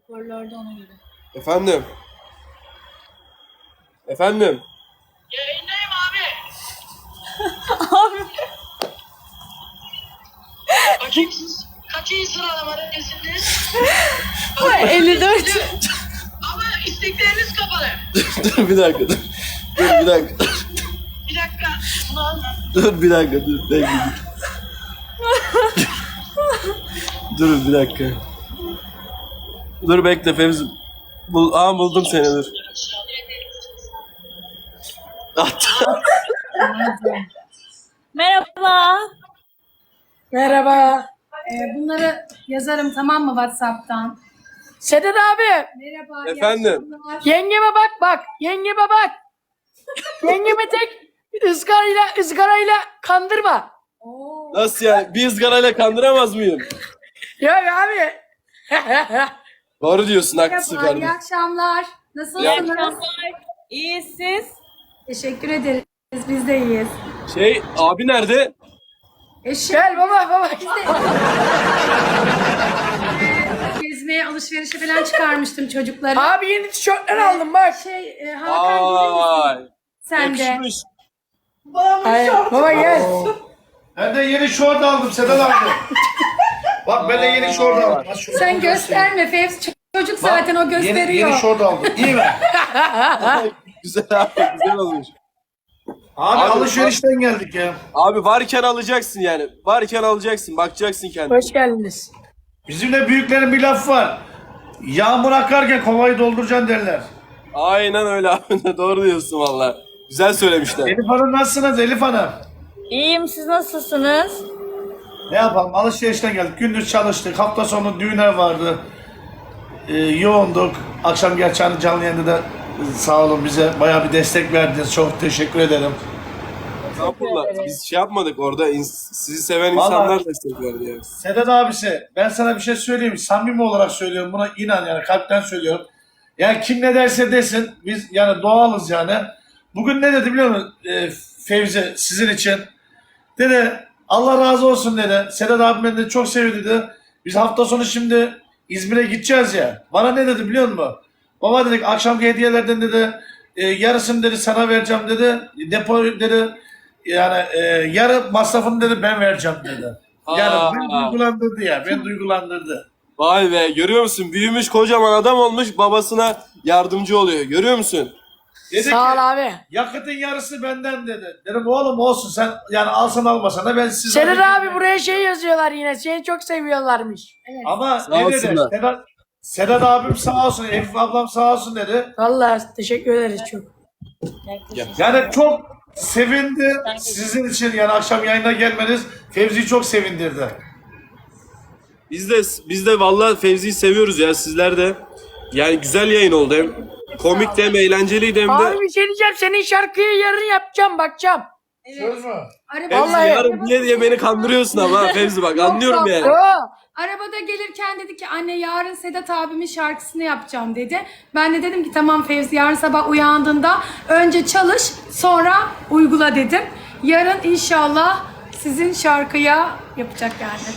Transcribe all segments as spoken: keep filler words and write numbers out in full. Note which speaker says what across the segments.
Speaker 1: Hoparlörde ona göre.
Speaker 2: Efendim. Efendim.
Speaker 3: Yayındayım abi.
Speaker 1: Abi.
Speaker 3: Bakayım siz kaçıncı sıralamadasınız?
Speaker 1: elli dört.
Speaker 3: Ama istekleriniz kapalı.
Speaker 2: Dur bir dakika dur. Dur bir dakika.
Speaker 3: Bir dakika. Ulan.
Speaker 2: Dur bir dakika dur. Bekle. Dur bir dakika. Dur bekle Fevzi. Bul Aa buldum seni dur. Hatta.
Speaker 1: Merhaba.
Speaker 4: Merhaba. Ee, bunları yazarım tamam mı WhatsApp'tan? Sedat abi. Merhaba. iyi
Speaker 2: Efendim?
Speaker 4: akşamlar.
Speaker 5: Yengeme bak bak. Yengeme bak. Yengeme tek ızgarayla ızgarayla kandırma.
Speaker 4: Oo.
Speaker 2: Nasıl yani? Bir ızgarayla kandıramaz mıyım?
Speaker 5: Yok abi.
Speaker 2: Doğru diyorsun, haklısın
Speaker 4: Merhaba, iyi
Speaker 2: kardeşim.
Speaker 4: akşamlar.
Speaker 1: İyi
Speaker 4: Nasılsınız?
Speaker 1: akşamlar. İyi siz?
Speaker 4: Teşekkür ederiz. Biz de iyiyiz.
Speaker 2: Şey, abi nerede?
Speaker 4: Eşim.
Speaker 5: Gel baba baba.
Speaker 4: Biz de... Ee, gezmeye, alışverişe falan çıkarmıştım çocukları.
Speaker 5: Abi yeni tişörtler aldım bak.
Speaker 4: Şey, e, Hakan gelir misin?
Speaker 2: Vay.
Speaker 4: Sen de.
Speaker 2: Yakışmış.
Speaker 5: Ay, baba gel.
Speaker 6: Ben de yeni şort aldım Sedat abi. Bak ben de yeni şort aldım. Bak şunu
Speaker 4: Sen
Speaker 6: göstereyim.
Speaker 4: gösterme Fevzi. Çocuk
Speaker 6: Bak,
Speaker 4: zaten o gösteriyor.
Speaker 6: Yeni, yeni şort aldım. İyi mi?
Speaker 2: Güzel abi, güzel olmuş.
Speaker 6: Abi,
Speaker 2: Abi,
Speaker 6: alışverişten geldik ya.
Speaker 2: Abi varken alacaksın yani. Varken alacaksın, bakacaksın kendine.
Speaker 5: Hoş geldiniz.
Speaker 6: Bizimle büyüklerin bir lafı var. Yağmur akarken kovayı dolduracaksın derler.
Speaker 2: Aynen öyle abi. Doğru diyorsun valla. Güzel söylemişler.
Speaker 6: Elif Hanım nasılsınız Elif Hanım?
Speaker 1: İyiyim, siz nasılsınız?
Speaker 6: Ne yapalım alışverişten geldik. Gündüz çalıştık. Hafta sonu düğünler vardı. Ee, yoğunduk. Akşam gerçi hani canlı yayında da e, sağ olun bize bayağı bir destek verdiniz. Çok teşekkür ederim.
Speaker 2: Estağfurullah. Biz şey yapmadık orada. ins- Sizi seven
Speaker 6: Vallahi-
Speaker 2: insanlar destek verdi yani.
Speaker 6: Sedat abisi ben sana bir şey söyleyeyim. Samimi olarak söylüyorum. Buna inan yani kalpten söylüyorum. Yani kim ne derse desin biz yani doğalız yani. Bugün ne dedi biliyor musun e, Fevzi sizin için? Dedi Allah razı olsun dedi. Sedat abim beni de çok sevdi dedi. Biz hafta sonu şimdi İzmir'e gideceğiz ya. Bana ne dedi biliyor musun? Baba dedik akşamki hediyelerden dedi e, yarısını dedi sana vereceğim dedi. Depo dedi yani e, yarı masrafını dedi ben vereceğim dedi. Yani
Speaker 2: Aa.
Speaker 6: beni duygulandırdı ya. Beni duygulandırdı.
Speaker 2: Vay be, görüyor musun? Büyümüş kocaman adam olmuş, babasına yardımcı oluyor. Görüyor musun?
Speaker 6: Dedi
Speaker 5: Sağ ol
Speaker 6: ki
Speaker 5: abi.
Speaker 6: yakıtın yarısı benden dedi. Dedim oğlum olsun sen yani alsan almasan da ben size...
Speaker 5: Sedat abi buraya şey yazıyorlar yine. Seni çok seviyorlarmış.
Speaker 6: Ama
Speaker 2: Sağ
Speaker 6: ne dedi?
Speaker 2: olsunlar.
Speaker 6: Sedat, Sedat abim sağ olsun, Elif ablam sağ olsun dedi.
Speaker 5: Vallahi teşekkür ederiz çok.
Speaker 6: Yani çok sevindi sizin için yani akşam yayına gelmeniz Fevzi'yi çok sevindirdi.
Speaker 2: Biz de biz de vallahi Fevzi'yi seviyoruz ya, sizler de. Yani güzel yayın oldu, hem komik de hem eğlenceliydi hem de.
Speaker 5: Abi bir şey diyeceğim. Senin şarkıyı yarın yapacağım bakacağım.
Speaker 6: Söz mü?
Speaker 4: Araba-
Speaker 2: Fevzi
Speaker 5: Vallahi-
Speaker 2: yarın diye diye beni kandırıyorsun ama ha Fevzi, bak anlıyorum
Speaker 4: yok.
Speaker 2: yani.
Speaker 5: Yo.
Speaker 4: Arabada gelirken dedi ki anne yarın Sedat abimin şarkısını yapacağım dedi. Ben de dedim ki tamam Fevzi yarın sabah uyandığında önce çalış sonra uygula dedim. Yarın inşallah sizin şarkıya yapacak yani.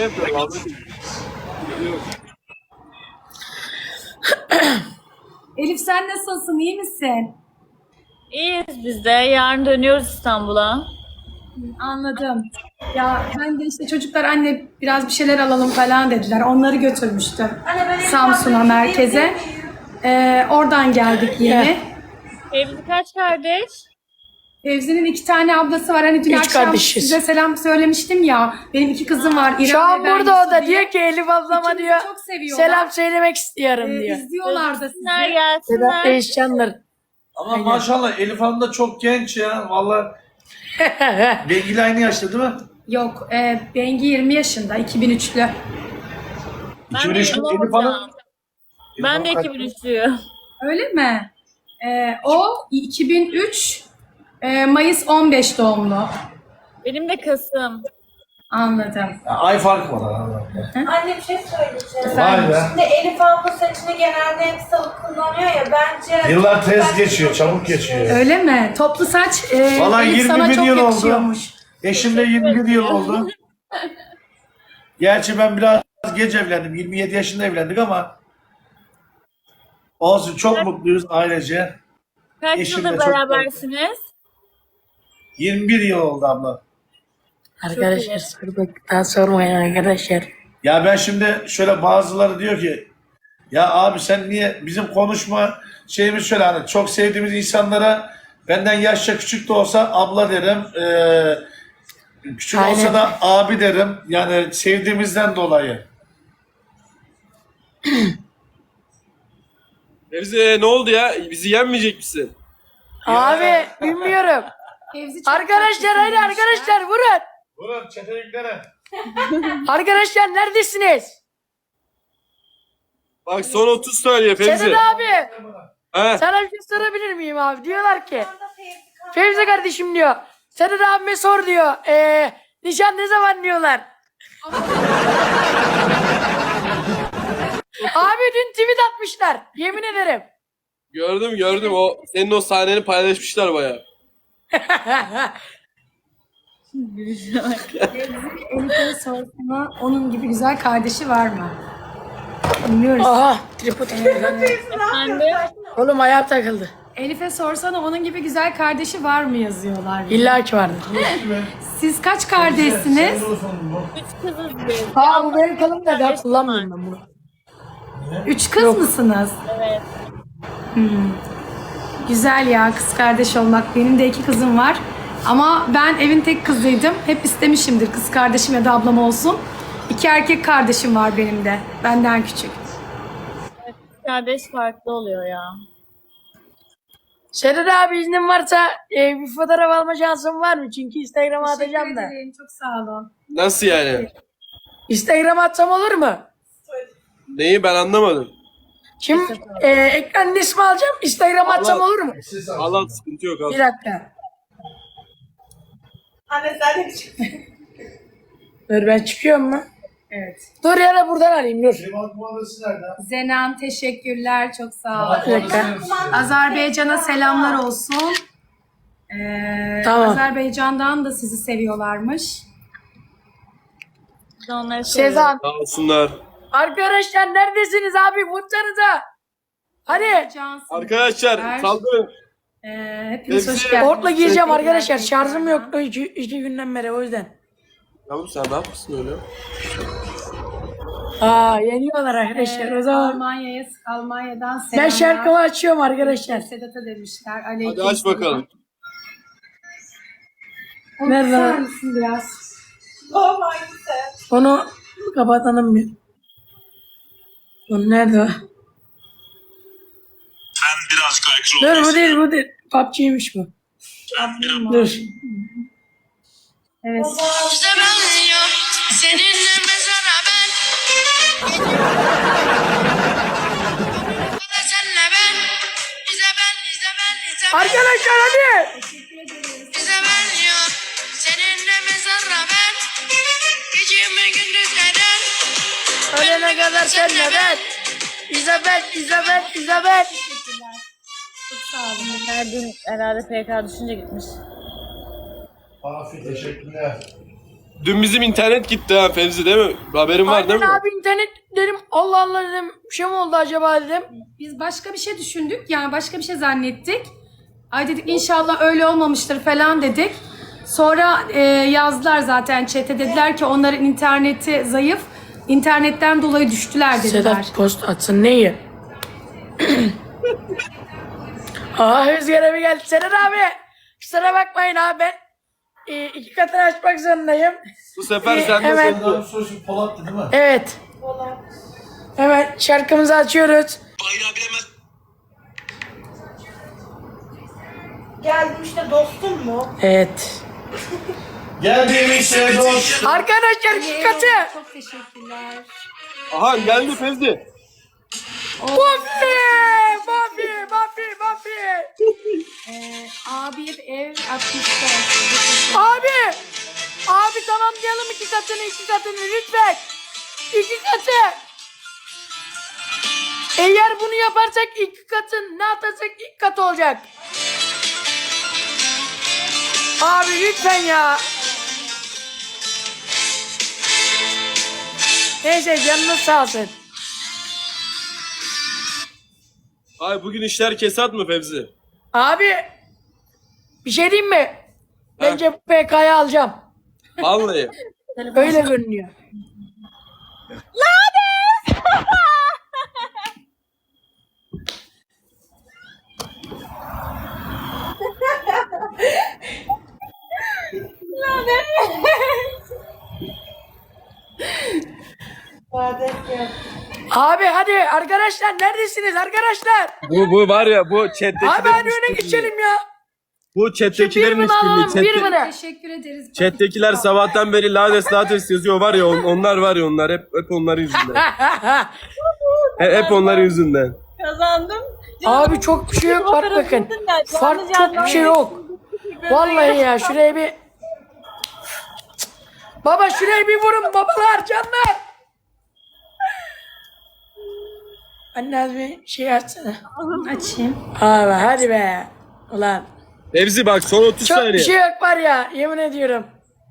Speaker 4: Elif sen nasılsın iyi misin?
Speaker 1: İyiyiz biz de. Yarın dönüyoruz İstanbul'a.
Speaker 4: Anladım. Ya ben de işte çocuklar anne biraz bir şeyler alalım falan dediler. Onları götürmüştüm Samsun'a merkeze. Ee, oradan geldik yeni.
Speaker 1: Evli kaç kardeş?
Speaker 4: Fevzi'nin iki tane ablası var. Hani dün
Speaker 5: Üç
Speaker 4: akşam
Speaker 5: kardeşiz.
Speaker 4: size selam söylemiştim ya. Benim iki kızım var. İrem
Speaker 5: Şu an
Speaker 4: ve ben
Speaker 5: burada o
Speaker 4: Yusuf
Speaker 5: da
Speaker 4: diye.
Speaker 5: diyor ki Elif ablama
Speaker 4: İkimizi
Speaker 5: diyor.
Speaker 4: çok seviyorlar.
Speaker 5: Selam söylemek istiyorum
Speaker 4: Ee,
Speaker 5: diyor.
Speaker 4: izliyorlar da sizi.
Speaker 1: Gelsinler
Speaker 5: Sedat
Speaker 1: gelsinler.
Speaker 5: Değişcanlar.
Speaker 6: Ama maşallah Elif Hanım da çok genç ya. Vallahi Bengi'yle aynı yaşta değil mi?
Speaker 4: Yok, e, Bengi yirmi yaşında, iki bin üçlü.
Speaker 1: Ben
Speaker 6: iki bin
Speaker 1: de
Speaker 6: üç
Speaker 1: yirmi
Speaker 6: Elif
Speaker 1: olacağım.
Speaker 6: Hanım.
Speaker 1: Ben de
Speaker 6: Elif Hanım
Speaker 1: iki bin üçlüyüm.
Speaker 4: Öyle mi? E, o iki bin üç e, Mayıs on beş doğumlu.
Speaker 1: Benim de Kasım.
Speaker 4: Anladım.
Speaker 6: Ya, ay fark var arada.
Speaker 7: Anne bir şey söyleyeceğim.
Speaker 6: Vay be.
Speaker 7: Şimdi Elif abla saçını genelde hep salık kullanıyor ya bence...
Speaker 6: Yıllar tez geçiyor, çabuk geçiyor.
Speaker 4: Öyle mi? Toplu saç e,
Speaker 6: Vallahi
Speaker 4: Elif
Speaker 6: yirmi
Speaker 4: sana
Speaker 6: bir
Speaker 4: çok
Speaker 6: yıl oldu.
Speaker 4: yakışıyormuş.
Speaker 6: Eşim de yirmi bir yıl oldu. Gerçi ben biraz geç evlendim. yirmi yedi yaşında evlendik ama Olsun, çok mutluyuz ailece.
Speaker 1: Kaç
Speaker 6: Eşimle
Speaker 1: yıldır
Speaker 6: çok
Speaker 1: berabersiniz?
Speaker 6: yirmi bir yıl oldu abla.
Speaker 5: Arkadaşlar sorduktan sormayın arkadaşlar.
Speaker 6: Ya ben şimdi şöyle, bazıları diyor ki ya abi sen niye bizim konuşma şeyimiz şöyle, hani çok sevdiğimiz insanlara benden yaşça küçük de olsa abla derim. Ee, küçük
Speaker 5: Aynen.
Speaker 6: olsa da abi derim. Yani sevdiğimizden dolayı.
Speaker 2: Fevzi ne oldu ya? Bizi yenmeyecek misin?
Speaker 5: Abi bilmiyorum.
Speaker 4: Fevzi çok
Speaker 5: Arkadaşlar
Speaker 4: tatlısın
Speaker 5: hadi
Speaker 4: demişler.
Speaker 5: arkadaşlar vurun.
Speaker 6: Vurun çeteliklere.
Speaker 5: Arkadaşlar neredesiniz?
Speaker 2: Bak son otuz saniye Fevzi.
Speaker 5: Sedat abi.
Speaker 2: He.
Speaker 5: Sana bir şey sorabilir miyim abi? Diyorlar ki.
Speaker 7: Şu anda Fevzi kan-
Speaker 5: Fevzi kardeşim diyor. Sedat abime sor diyor. Eee nişan ne zaman diyorlar. Abi dün tweet atmışlar. Yemin ederim.
Speaker 2: Gördüm gördüm. O senin o sahneni paylaşmışlar bayağı.
Speaker 4: Elif'e sorsana onun gibi güzel kardeşi var mı? Bilmiyoruz.
Speaker 5: Aha tripod gitti lan.
Speaker 1: Efendim?
Speaker 5: Oğlum ayağım takıldı.
Speaker 4: Elif'e sorsana onun gibi güzel kardeşi var mı yazıyorlar.
Speaker 5: İlla ki vardır.
Speaker 4: Siz kaç kardeşsiniz?
Speaker 1: Üç kızız biz.
Speaker 5: Aa bu benim kalım da daha kullanmıyorum ben bunu.
Speaker 4: Üç kız mısınız?
Speaker 1: Evet.
Speaker 4: Güzel ya, kız kardeş olmak. Benim de iki kızım var. Ama ben evin tek kızıydım. Hep istemişimdir kız kardeşim ya da ablam olsun. İki erkek kardeşim var benim de. Benden küçük.
Speaker 1: Kardeş farklı oluyor ya.
Speaker 5: Sedat abi iznin varsa e, bir fotoğraf alma şansın var mı? Çünkü Instagram'a atacağım da.
Speaker 4: Çok sağ olun.
Speaker 2: Nasıl yani?
Speaker 5: Instagram'a atsam olur mu?
Speaker 2: Neyi ben anlamadım.
Speaker 5: Şimdi e, ekranın ismi alacağım. Instagram'a atsam
Speaker 2: Allah-
Speaker 5: olur mu?
Speaker 2: Allah sıkıntı yok
Speaker 5: Bir
Speaker 2: abi.
Speaker 5: dakika.
Speaker 7: Anne sen de çık.
Speaker 5: Dur ben çıkıyorum mu?
Speaker 4: Evet.
Speaker 5: Dur ya da buradan arayayım dur.
Speaker 6: Liman kumandası nerede?
Speaker 4: Zenan teşekkürler. Çok sağ olun.
Speaker 5: Bir dakika.
Speaker 4: Azerbaycan'a selamlar olsun. Ee,
Speaker 5: Tamam.
Speaker 4: Azerbaycan'dan da sizi seviyorlarmış.
Speaker 1: Biz de onları seviyoruz.
Speaker 5: Sezan.
Speaker 2: Sağ olsunlar.
Speaker 5: Arkadaşlar neredesiniz abi? Vursanıza. Hadi.
Speaker 4: Cansın.
Speaker 2: Arkadaşlar saldırın.
Speaker 4: Ee, hepiniz hoş
Speaker 2: Hepsi-
Speaker 4: geldiniz.
Speaker 5: Portla gireceğim
Speaker 4: Teşekkürler,
Speaker 5: arkadaşlar. Şarjım
Speaker 4: tekrardan.
Speaker 5: yoktu iki, iki günden beri o yüzden.
Speaker 2: Tamam sen ne yapmışsın öyle?
Speaker 5: Aa yeniyorlar arkadaşlar o
Speaker 4: Ee,
Speaker 5: zaman.
Speaker 4: Almanya'ya, Almanya'dan selamlar.
Speaker 5: Ben şarkımı açıyorum arkadaşlar.
Speaker 4: Sedat'a demişler.
Speaker 2: Hadi
Speaker 4: Aleyküm
Speaker 2: aç bakalım.
Speaker 5: Nerede?
Speaker 4: Kısar mısın biraz?
Speaker 7: Babam hangisi?
Speaker 5: Onu kapatalım bir. Onu nerede o? Dur bu değil bu değil. P U B G'ymiş bu. Dur.
Speaker 4: Evet.
Speaker 8: Bize benziyor, seninle mezara ben. Senle ben, bize ben, bize ben, bize ben.
Speaker 5: Arkadaşlar hadi.
Speaker 8: Bize benziyor, seninle mezara ben. Gecemi gündüzlerden.
Speaker 5: Ölene kadar senle ben. İzabel, İzabel, İzabel.
Speaker 4: Çok sağ olun.
Speaker 1: Her dün herhalde P K düşünce gitmiş.
Speaker 6: Afi teşekkürler.
Speaker 2: Dün bizim internet gitti ha Fevzi değil mi? Haberin var değil
Speaker 5: Aynen
Speaker 2: mi?
Speaker 5: abi internet dedim. Allah Allah dedim. Bir şey mi oldu acaba dedim.
Speaker 4: Biz başka bir şey düşündük. Yani başka bir şey zannettik. Ay dedik inşallah öyle olmamıştır falan dedik. Sonra e, yazdılar zaten chat'e, dediler ki onların interneti zayıf. İnternetten dolayı düştüler dediler.
Speaker 5: Sedat post atsın neyi? Aa Özgür abi geldi. Sedat abi. Kusura bakmayın abi ben e, iki katını açmak zorundayım.
Speaker 2: Bu sefer
Speaker 5: Ee,
Speaker 2: sen de
Speaker 5: hemen-
Speaker 2: sen de.
Speaker 6: Daha sorusu Polat'tı değil mi?
Speaker 5: Evet. Hemen şarkımızı açıyoruz.
Speaker 7: Geldim işte dostum mu?
Speaker 5: Evet.
Speaker 6: Geldim işte dost.
Speaker 5: Arkadaşlar iki katı.
Speaker 4: Çok teşekkürler.
Speaker 2: Aha geldi Fevzi.
Speaker 5: Buffy! Buffy! Buffy! Buffy!
Speaker 4: Ee, abi ev atmışlar.
Speaker 5: Abi! Abi tamamlayalım iki katını iki katını lütfen. İki katı. Eğer bunu yaparsak iki katın ne atarsak ilk kat olacak. Abi lütfen ya. Neyse canınız sağ olsun.
Speaker 2: Ay bugün işler kesat mı Fevzi?
Speaker 5: Abi bir şey diyeyim mi? Bence bu P K'yı alacağım.
Speaker 2: Vallahi.
Speaker 5: Öyle görünüyor. Abi hadi arkadaşlar neredesiniz arkadaşlar?
Speaker 2: Bu bu var ya bu chat'tekilerin
Speaker 5: Abi hadi öne
Speaker 2: işbirliği.
Speaker 5: geçelim ya.
Speaker 2: Bu
Speaker 5: Bir
Speaker 2: chat'tekilerin
Speaker 5: mi alalım
Speaker 2: işbirliği.
Speaker 5: bir
Speaker 2: Chat'te-
Speaker 5: mi?
Speaker 4: Teşekkür ederiz.
Speaker 2: Chat'tekiler sabahtan beri lades lades yazıyor var ya on- onlar var ya onlar hep hep onların yüzünden. He- hep onların yüzünden.
Speaker 1: Kazandım.
Speaker 5: Abi çok bir şey yok bak bakın. Fark çok bir şey yok. Vallahi ya şuraya bir... Baba şuraya bir vurun babalar canlar. Anne az bir şey açsana.
Speaker 4: Açayım.
Speaker 5: Abi hadi be. Ulan.
Speaker 2: Fevzi bak son otuz
Speaker 5: Çok
Speaker 2: saniye.
Speaker 5: bir şey yok var ya yemin ediyorum.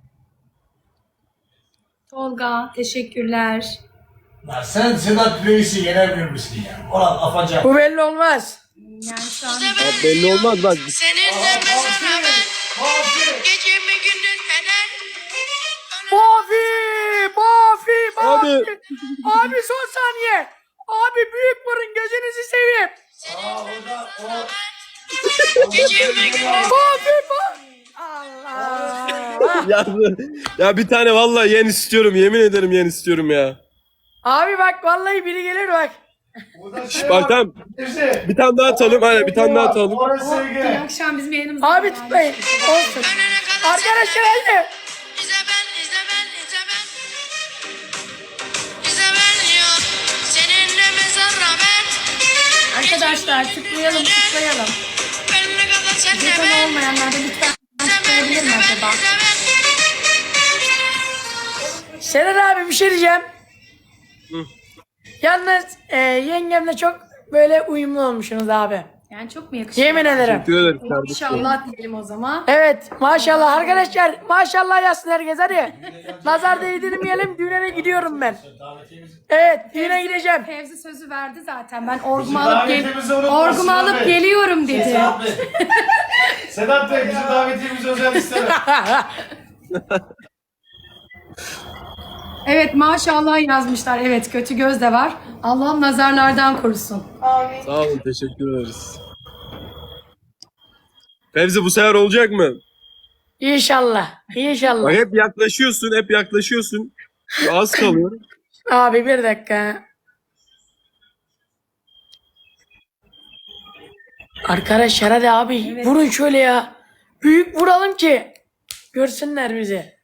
Speaker 4: Tolga teşekkürler.
Speaker 6: Ya sen Sedat Reis'i yenemiyor musun ya? Ulan afacan.
Speaker 5: Bu belli olmaz.
Speaker 4: Yani şu an
Speaker 2: Ya belli olmaz bak.
Speaker 8: Seninle mezara ben. Gecemi gündüz eder.
Speaker 5: Bafi! Bafi! Bafi!
Speaker 2: Abi.
Speaker 5: Abi son saniye. Abi büyük vurun gözünüzü seveyim.
Speaker 8: Gecemi gündüz.
Speaker 5: Bafi! Bafi! Allah!
Speaker 2: ya, ya bir tane vallahi yen istiyorum yemin ederim yen istiyorum ya.
Speaker 5: Abi bak vallahi biri gelir bak.
Speaker 2: Bak tamam bir tane daha atalım aynen bir tane daha atalım.
Speaker 6: Orası
Speaker 4: bu
Speaker 6: Ege.
Speaker 4: akşam bizim yayınımızda.
Speaker 5: Abi tutmayın. Olsun.
Speaker 8: Ölene kadar
Speaker 5: Arkadaşlar hadi.
Speaker 8: İzle ben, izle ben, izle ben. İzle ben ya. Seninle mezara ben.
Speaker 4: Arkadaşlar tıklayalım tıklayalım.
Speaker 8: Ölene kadar senle
Speaker 4: Jeton
Speaker 8: ben.
Speaker 4: olmayanlar da lütfen
Speaker 8: İzle ben,
Speaker 4: tıklayabilir
Speaker 8: izle
Speaker 4: mi
Speaker 8: ben,
Speaker 4: acaba?
Speaker 8: izle ben.
Speaker 5: Seren abi bir şey diyeceğim. Yalnız e, yengemle çok böyle uyumlu olmuşsunuz abi.
Speaker 4: Yani çok mu yakışıyor?
Speaker 5: Yemin ederim.
Speaker 2: Teşekkür ederim kardeşim.
Speaker 4: İnşallah diyelim o zaman.
Speaker 5: Evet maşallah arkadaşlar maşallah yazsın herkes hadi. Nazar değdirmeyelim düğüne gidiyorum ben. Evet düğüne gideceğim.
Speaker 4: Fevzi sözü verdi zaten. Ben orgumu alıp, gel
Speaker 6: davetimizi unutmasın
Speaker 4: orgumu alıp
Speaker 6: abi.
Speaker 4: geliyorum dedi.
Speaker 6: Sedat Bey. Sedat Bey bizim davetiyemiz özel istemem.
Speaker 4: Evet maşallah yazmışlar. Evet kötü göz de var. Allah'ım nazarlardan korusun.
Speaker 2: Sağ olun teşekkür ederiz. Fevzi bu sefer olacak mı?
Speaker 5: İnşallah. İnşallah.
Speaker 2: Bak hep yaklaşıyorsun hep yaklaşıyorsun. Az kalıyor.
Speaker 5: Abi bir dakika. Arkadaşlar hadi abi vurun şöyle ya. Büyük vuralım ki görsünler bizi.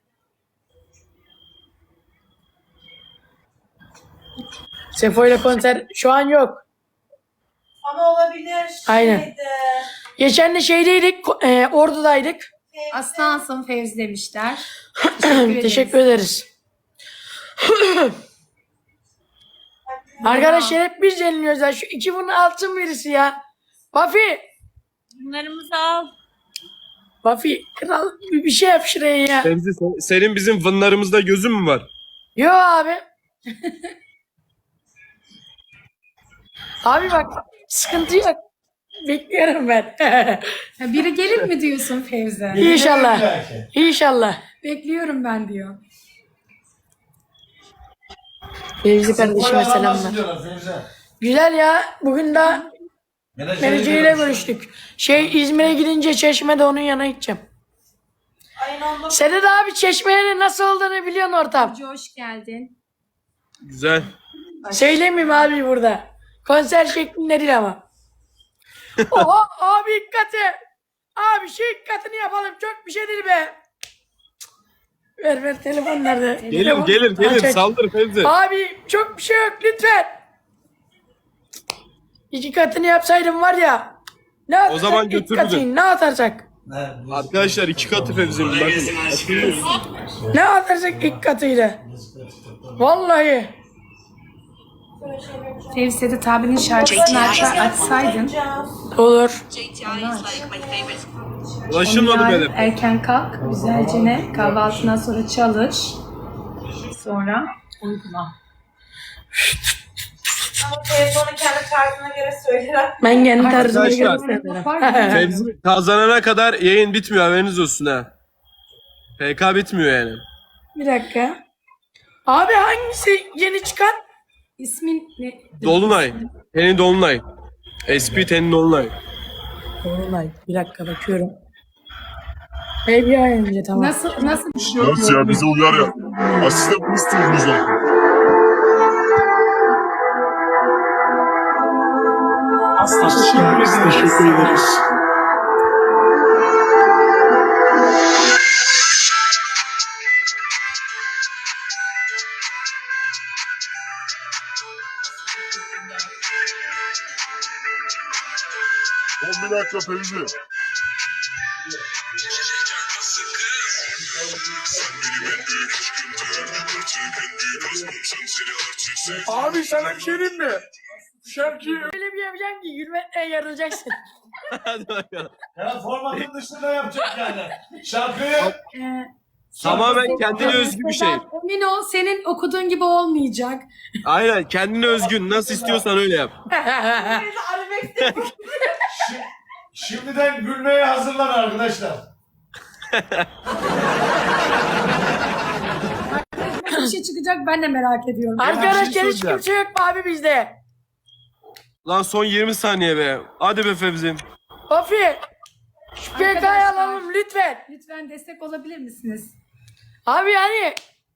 Speaker 5: Sefo ile konser şu an yok.
Speaker 7: Ama olabilir.
Speaker 5: Aynen.
Speaker 7: Şeydi.
Speaker 5: Geçen de şeydeydik, e, Ordu'daydık.
Speaker 4: Aslansın Fevzi demişler. Teşekkür ederiz.
Speaker 5: Teşekkür ederiz. Arkadaşlar hep biz yeniliyoruz ya. Şu iki bunun altın birisi ya. Buffy.
Speaker 1: Bunlarımızı al.
Speaker 5: Buffy kral bir, bir şey yap şuraya ya.
Speaker 2: Fevzi sen- senin bizim vınlarımızda gözün mü var?
Speaker 5: Yo abi. Abi bak sıkıntı yok. Bekliyorum ben.
Speaker 4: Ha, biri gelir mi diyorsun Fevzi?
Speaker 5: İnşallah. İnşallah.
Speaker 4: Bekliyorum ben diyor.
Speaker 5: Fevzi kardeşime selamlar. Güzel ya. Bugün de menajeriyle görüştük. Şey İzmir'e gidince Çeşme'de onun yanına gideceğim.
Speaker 7: Ayın on dokuz.
Speaker 5: Sedat abi Çeşme'nin nasıl olduğunu biliyorsun ortam.
Speaker 4: Hoş geldin.
Speaker 2: Güzel.
Speaker 5: Söylemeyeyim abi burada. Konser şeklinde değil ama. Oha abi dikkati. Abi şu dikkatini yapalım. Çok bir şey değil be. Ver ver telefon nerede?
Speaker 2: Gelir
Speaker 5: Telefon-
Speaker 2: gelir
Speaker 5: Aç,
Speaker 2: gelir
Speaker 5: aç.
Speaker 2: saldır Fevzi.
Speaker 5: Abi çok bir şey yok lütfen. İki katını yapsaydım var ya. Ne atarsak
Speaker 2: zaman
Speaker 5: iki
Speaker 2: götürürdüm.
Speaker 5: katını, ne atarsak.
Speaker 2: Arkadaşlar iki katı Fevzi'nin bakın.
Speaker 5: Ne atarsak ilk katıyla. Vallahi.
Speaker 4: Fevzi Sedat abinin şarkısını aç, açsaydın.
Speaker 5: Olur.
Speaker 2: Ulaşılmadı
Speaker 4: Yarın
Speaker 2: benim.
Speaker 4: erken kalk. Güzelce ne? Kahvaltından sonra çalış. Sonra uygula.
Speaker 7: Ama telefonu kendi tarzına göre söyler.
Speaker 5: Ben kendi tarzıma göre
Speaker 2: Arkadaşlar.
Speaker 5: söylerim.
Speaker 2: Fevzi kazanana kadar yayın bitmiyor, haberiniz olsun ha. P K bitmiyor yani.
Speaker 5: Bir dakika. Abi hangisi yeni çıkan?
Speaker 4: İsmin ne?
Speaker 2: Dolunay. Tenin Dolunay. S P Tenin Dolunay.
Speaker 5: Dolunay. Bir dakika bakıyorum. Baby önce tamam.
Speaker 4: Nasıl nasıl bir şey?
Speaker 9: Nasıl ya bize uyar ya. Asistan mı istiyorsunuz lan?
Speaker 6: Teşekkür ederiz.
Speaker 9: On bir dakika Fevzi.
Speaker 6: Abi sana bir şey diyeyim mi? Şarkıyı...
Speaker 5: Öyle bir yapacağım ki gülmekten yarılacaksın.
Speaker 2: Hadi bakalım.
Speaker 6: Ya formatın dışında yapacak yani. Şarkıyı...
Speaker 4: Ee,
Speaker 2: Tamamen kendine özgü bir şey.
Speaker 4: Emin ol senin okuduğun gibi olmayacak.
Speaker 2: Aynen, kendine özgün. Nasıl istiyorsan öyle yap.
Speaker 6: Şi- Şimdiden gülmeye hazırlan arkadaşlar.
Speaker 4: Bir şey çıkacak ben de merak ediyorum.
Speaker 5: Arkadaşlar
Speaker 2: bir şey
Speaker 5: hiç
Speaker 2: soracağım.
Speaker 5: kimse yok mu abi bizde?
Speaker 2: Lan son yirmi saniye be. Hadi be Fevzi'm.
Speaker 5: Ofi. Şu P K'yı
Speaker 4: Arkadaşlar.
Speaker 5: alalım lütfen.
Speaker 4: Lütfen destek olabilir misiniz?
Speaker 5: Abi yani.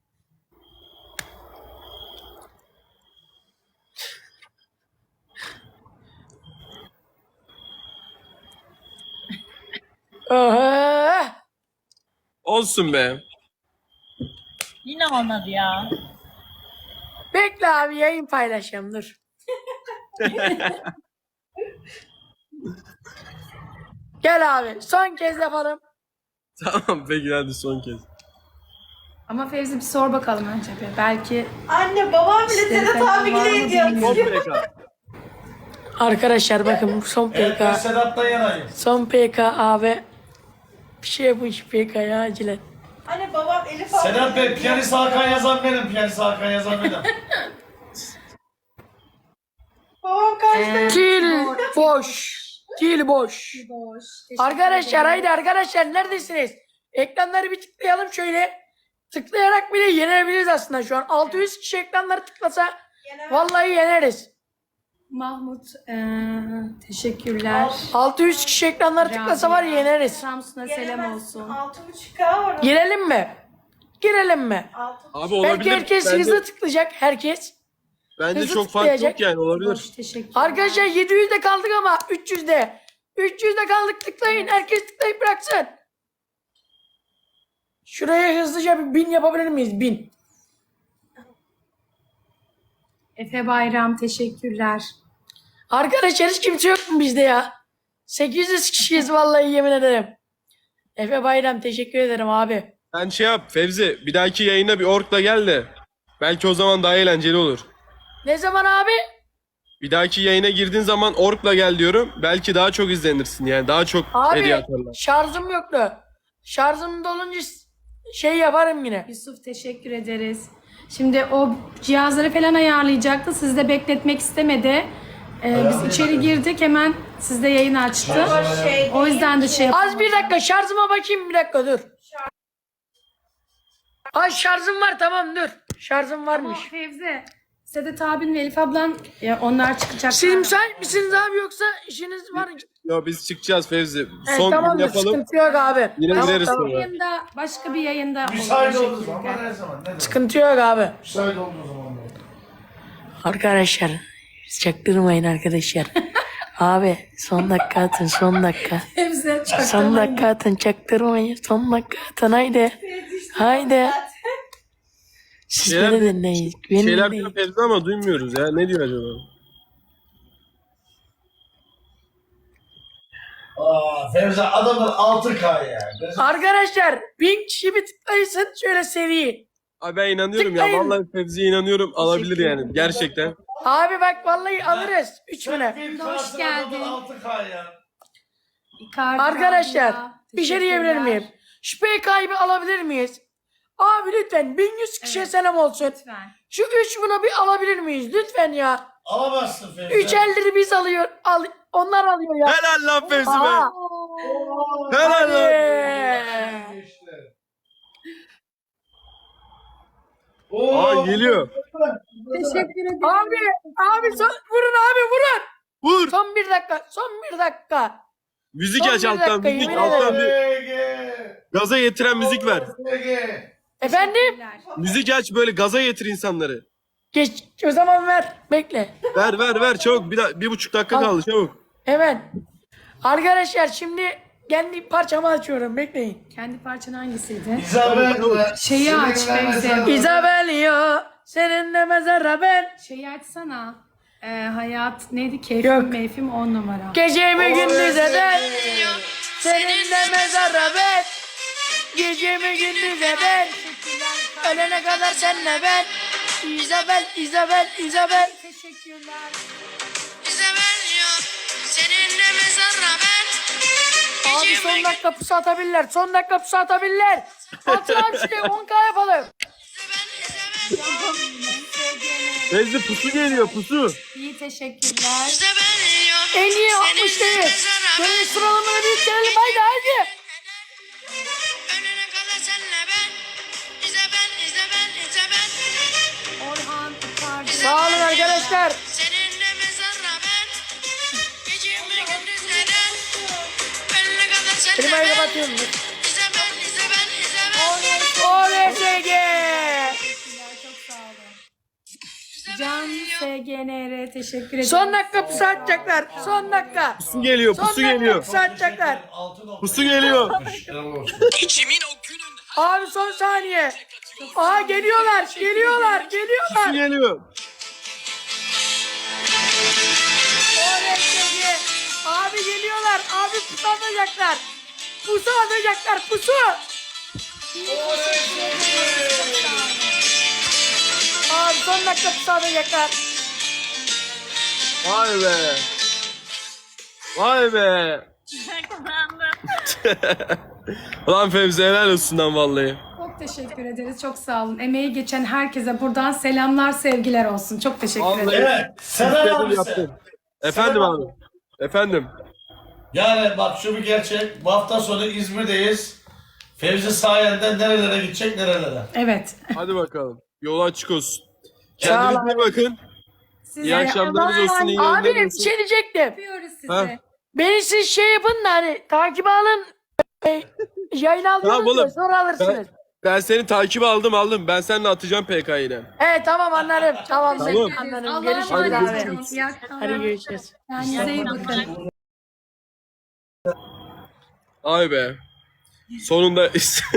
Speaker 5: Oha.
Speaker 2: Olsun be.
Speaker 1: Yine olmadı ya.
Speaker 5: Bekle abi yayın paylaşacağım dur. Gel abi son kez yapalım.
Speaker 2: Tamam peki, hadi son kez.
Speaker 4: Ama Fevzi bir sor bakalım önce bir. Belki
Speaker 7: Anne babam bile
Speaker 4: İşte
Speaker 7: Sedat
Speaker 4: falan
Speaker 7: abi
Speaker 4: var mı
Speaker 7: bile ediyor.
Speaker 2: Son P K.
Speaker 5: Arkadaşlar bakın son
Speaker 6: Evet, ben
Speaker 5: P K.
Speaker 6: Sedat'tan yanayım.
Speaker 5: Son P K abi. Bir şey yapın şu P K'ya acilen.
Speaker 7: Anne babam Elif abi.
Speaker 6: Sedat Bey, piyanist Hakan yazan benim, piyanist Hakan yazan benim.
Speaker 7: Babam kaçtı.
Speaker 5: Dil boş. Dil boş.
Speaker 4: boş. Teşekkür
Speaker 5: Arkadaşlar
Speaker 4: ederim.
Speaker 5: haydi arkadaşlar neredesiniz? Ekranları bir tıklayalım şöyle. Tıklayarak bile yenebiliriz aslında şu an. altı yüz kişi ekranları tıklasa vallahi yeneriz.
Speaker 4: Mahmut eee, teşekkürler.
Speaker 5: altı yüz kişi ekranları tıklasa var ya yeneriz.
Speaker 4: Samsun'a selam olsun.
Speaker 7: altı buçuk K var.
Speaker 5: Girelim mi? Girelim mi?
Speaker 7: altı
Speaker 2: Abi
Speaker 5: Belki
Speaker 2: olabilir.
Speaker 5: herkes
Speaker 2: Bence,
Speaker 5: hızlı tıklayacak herkes.
Speaker 2: bence
Speaker 5: hızlı
Speaker 2: çok fark
Speaker 5: tıklayacak.
Speaker 2: yok yani, olabilir.
Speaker 4: Boş, teşekkür.
Speaker 5: Arkadaşlar yedi yüzde kaldık ama üç yüzde. üç yüzde kaldık tıklayın. Herkes tıklayıp bıraksın. Şuraya hızlıca bir bin yapabilir miyiz? Bin.
Speaker 4: Efe Bayram teşekkürler.
Speaker 5: Arkadaşlar hiç kimse yok mu bizde ya? sekiz yüz kişiyiz vallahi yemin ederim. Efe Bayram teşekkür ederim abi.
Speaker 2: Sen şey yap Fevzi, bir dahaki yayına bir orkla gel de. Belki o zaman daha eğlenceli olur.
Speaker 5: Ne zaman abi?
Speaker 2: Bir dahaki yayına girdiğin zaman orkla gel diyorum. Belki daha çok izlenirsin yani, daha çok hediye
Speaker 5: Abi
Speaker 2: atarlar.
Speaker 5: şarjım yoktu. Şarjım dolunca şey yaparım yine.
Speaker 4: Yusuf teşekkür ederiz. Şimdi o cihazları falan ayarlayacaktı. Sizi de bekletmek istemedi. Ee, biz içeri girdik hemen sizde yayın açtı.
Speaker 7: O şey
Speaker 4: O yüzden de şey yap-
Speaker 5: Az bir dakika şarjıma bakayım bir dakika dur. Ay şarjım var tamam dur. Şarjım varmış.
Speaker 4: Fevzi, Sedat abin ve Elif ablan ya onlar çıkacak.
Speaker 5: Siz müsait misiniz abi yoksa işiniz var mı?
Speaker 2: Ya biz çıkacağız Fevzi.
Speaker 5: Evet,
Speaker 2: Son gün
Speaker 5: tamamdır
Speaker 2: yapalım.
Speaker 5: sıkıntı yok abi.
Speaker 2: Yine
Speaker 5: Tamam,
Speaker 2: gideriz
Speaker 5: tamam.
Speaker 2: sonra.
Speaker 4: Yayında başka bir yayında
Speaker 6: Müsait
Speaker 4: olur.
Speaker 6: olduğu zaman, her zaman. Ne demek?
Speaker 5: Sıkıntı yok abi.
Speaker 6: Müsait olduğu zaman.
Speaker 5: Arkadaşlar çaktırmayın arkadaşlar. Abi son dakika atın son dakika.
Speaker 4: Fevzi çok
Speaker 5: Son dakika atın çaktırmayın. Son dakika atın haydi. Haydi. Siz
Speaker 2: Şeyler-
Speaker 5: beni dinleyin. Beni
Speaker 2: Şeyler
Speaker 5: dinleyin.
Speaker 2: diyor Fevzi ama duymuyoruz ya. Ne diyor acaba?
Speaker 6: Aa, Fevzi adamlar altı K ya.
Speaker 5: Arkadaşlar bin kişi bir tıklayın şöyle seri.
Speaker 2: Abi ben inanıyorum ya.
Speaker 5: Tıklayın.
Speaker 2: Vallahi Fevzi'ye inanıyorum. Alabilir yani. Gerçekten.
Speaker 5: Abi bak vallahi alırız. Üç bine.
Speaker 4: Hoş geldin.
Speaker 6: altı K ya.
Speaker 4: Icardi
Speaker 5: Arkadaşlar
Speaker 4: abla,
Speaker 5: bir şey diyebilir
Speaker 4: teşekkürler.
Speaker 5: miyim? Şu P K'yı bir alabilir miyiz? Abi lütfen bin yüz kişiye
Speaker 4: Evet.
Speaker 5: selam olsun.
Speaker 4: Lütfen.
Speaker 5: Şu üç buna bir alabilir miyiz? Lütfen ya.
Speaker 6: Alamazsın Fevzi.
Speaker 5: Üç elleri biz alıyor. Al, onlar alıyor ya.
Speaker 2: Helal lan Fevzi be.
Speaker 5: Aha.
Speaker 2: Helal lan.
Speaker 5: Hadi.
Speaker 6: Oo,
Speaker 2: Aa geliyor.
Speaker 4: Teşekkür ederim.
Speaker 5: Abi, abi son, vurun abi vurun.
Speaker 2: Vur.
Speaker 5: Son bir dakika, son bir dakika.
Speaker 2: Müzik
Speaker 5: Son
Speaker 2: aç
Speaker 5: bir
Speaker 2: alttan
Speaker 5: dakika,
Speaker 2: müzik
Speaker 5: yemin
Speaker 2: alttan bir
Speaker 6: Ege.
Speaker 2: gaza getiren müzik ver.
Speaker 6: Ege.
Speaker 5: Efendim?
Speaker 2: Müzik aç böyle gaza getir insanları.
Speaker 5: Geç, o zaman ver, bekle.
Speaker 2: Ver ver ver çabuk bir, da- bir buçuk dakika
Speaker 5: Al.
Speaker 2: kaldı çabuk.
Speaker 5: Hemen. Arkadaşlar şimdi kendi parçamı açıyorum, bekleyin.
Speaker 4: Kendi parçan hangisiydi?
Speaker 6: İzabel.
Speaker 4: Şeyi aç, Fevzi.
Speaker 5: Isabel yo, seninle mezara ben.
Speaker 4: Şeyi açsana. Ee, hayat neydi? Keyfim
Speaker 5: Yok.
Speaker 4: meyfim on numara.
Speaker 5: Gecemi gündüz eder, seninle mezara ben. Gecemi gündüz eder, ölene kadar senle ben. Isabel, Isabel, Isabel.
Speaker 4: Teşekkürler.
Speaker 8: Bize benziyor. Seninle mezarla ben.
Speaker 5: Abi son dakika pusu atabilirler, son dakika pusu atabilirler. Atın abi şuraya on K yapalım.
Speaker 2: Fevzi pusu geliyor pusu.
Speaker 4: İyi teşekkürler.
Speaker 8: Bize benziyor.
Speaker 5: En iyi altmış değil. Böyle sıralamaları bir bitirelim haydi haydi.
Speaker 8: Ölene kadar senle ben. Bize ben, bize ben, bize ben.
Speaker 4: Orhan Icardi.
Speaker 5: Sağ olun arkadaşlar.
Speaker 8: Seninle mezarla ben. Gecemi gündüz eden. Ölene kadar senle
Speaker 5: Klimayı
Speaker 8: ben.
Speaker 5: kapatıyorum.
Speaker 8: Bize ben, bize ben, bize ben.
Speaker 5: O R S G.
Speaker 4: Teşekkürler, çok sağ olun. Can S G N R teşekkür ederim.
Speaker 5: Son dakika pusu atacaklar. Son dakika.
Speaker 2: Pusu geliyor
Speaker 5: Son
Speaker 2: pusu
Speaker 5: dakika
Speaker 2: geliyor.
Speaker 5: pusu atacaklar.
Speaker 2: Pusu geliyor.
Speaker 5: Abi son saniye. Aha geliyorlar, geliyorlar,
Speaker 2: Pusu
Speaker 5: geliyorlar.
Speaker 2: geliyor.
Speaker 5: O R S G. Abi geliyorlar. Abi pusu atacaklar. Pusu atacaklar, pusu. Abi son dakika pusu atacaklar.
Speaker 2: Vay be. Vay be. Ulan Fevzi helal olsun lan vallahi.
Speaker 4: Çok teşekkür ederiz. Çok sağ olun. Emeği geçen herkese buradan selamlar, sevgiler olsun. Çok teşekkür
Speaker 2: Vallahi-
Speaker 4: ederim.
Speaker 6: Evet. Selam
Speaker 2: İstedim,
Speaker 6: abi
Speaker 2: yaptım.
Speaker 6: sen.
Speaker 2: Efendim
Speaker 6: Selam
Speaker 2: abi. Efendim.
Speaker 6: Yani bak şu bir gerçek. Bu hafta sonu İzmir'deyiz. Fevzi sayende nerelere gidecek nerelere.
Speaker 4: Evet.
Speaker 2: Hadi bakalım. Yol açık olsun.
Speaker 5: Sağ olun.
Speaker 2: Kendinize iyi bakın.
Speaker 4: Size
Speaker 2: İyi akşamlarınız olsun. iyi
Speaker 5: Abi
Speaker 2: yayınlar
Speaker 5: bir
Speaker 2: olsun.
Speaker 5: şey diyecektim.
Speaker 4: yapıyoruz size.
Speaker 2: Ha.
Speaker 5: Beni siz şey yapın da hani takip alın. E, yayın
Speaker 2: Tamam
Speaker 5: alıyorsunuz
Speaker 2: oğlum.
Speaker 5: ya, sonra alırsınız.
Speaker 2: Ben, ben seni takip aldım aldım. Ben seninle atacağım P K yine.
Speaker 5: Evet tamam anlarım. Tamam,
Speaker 2: Tamam.
Speaker 5: anlarım.
Speaker 4: Allah'a
Speaker 5: Görüşürüz
Speaker 4: emanet
Speaker 5: abi.
Speaker 4: olun. İyi akşamlar.
Speaker 5: Hadi görüşürüz.
Speaker 4: Kendinize iyi bakın.
Speaker 2: Ay be. Sonunda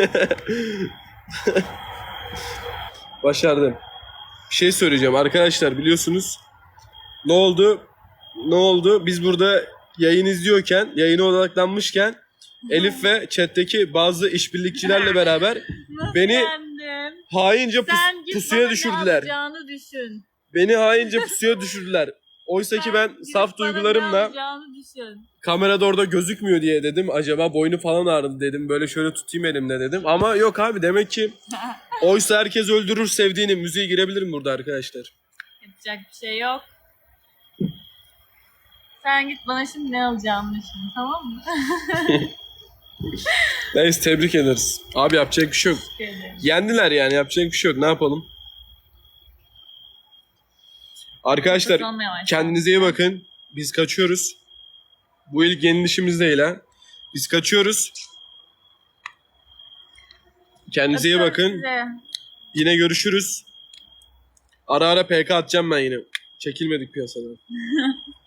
Speaker 2: başardım. Bir şey söyleyeceğim arkadaşlar, biliyorsunuz ne oldu? Ne oldu? Biz burada yayın izliyorken, yayına odaklanmışken Elif ve chat'teki bazı işbirlikçilerle beraber beni
Speaker 1: Efendim?
Speaker 2: haince pus-
Speaker 1: Sen git
Speaker 2: pusuya
Speaker 1: bana
Speaker 2: düşürdüler.
Speaker 1: ne yapacağını düşün.
Speaker 2: Beni haince pusuya düşürdüler. Oysa ki ben
Speaker 1: Gidip
Speaker 2: saf
Speaker 1: bana ne
Speaker 2: duygularımla
Speaker 1: yapacağını düşün.
Speaker 2: kamerada orada gözükmüyor diye dedim. Acaba boynu falan ağrıdı dedim. Böyle şöyle tutayım elimle dedim. Ama yok abi, demek ki oysa herkes öldürür sevdiğini. Müziğe girebilirim burada arkadaşlar.
Speaker 1: Yapacak bir şey yok. Sen git bana şimdi ne alacağını düşün, tamam mı?
Speaker 2: Neyse, tebrik ederiz. Abi yapacak bir şey yok.
Speaker 1: Teşekkür ederim.
Speaker 2: Yendiler yani, yapacak bir şey yok. Ne yapalım? Arkadaşlar
Speaker 1: Kazanmaya başladı.
Speaker 2: kendinize iyi bakın. Biz kaçıyoruz. Bu ilk yenilişimiz değil ha. Biz kaçıyoruz. Kendinize iyi
Speaker 1: Öpüyorum
Speaker 2: bakın.
Speaker 1: sizi.
Speaker 2: Yine görüşürüz. Ara ara P K atacağım ben yine. Çekilmedik piyasadan.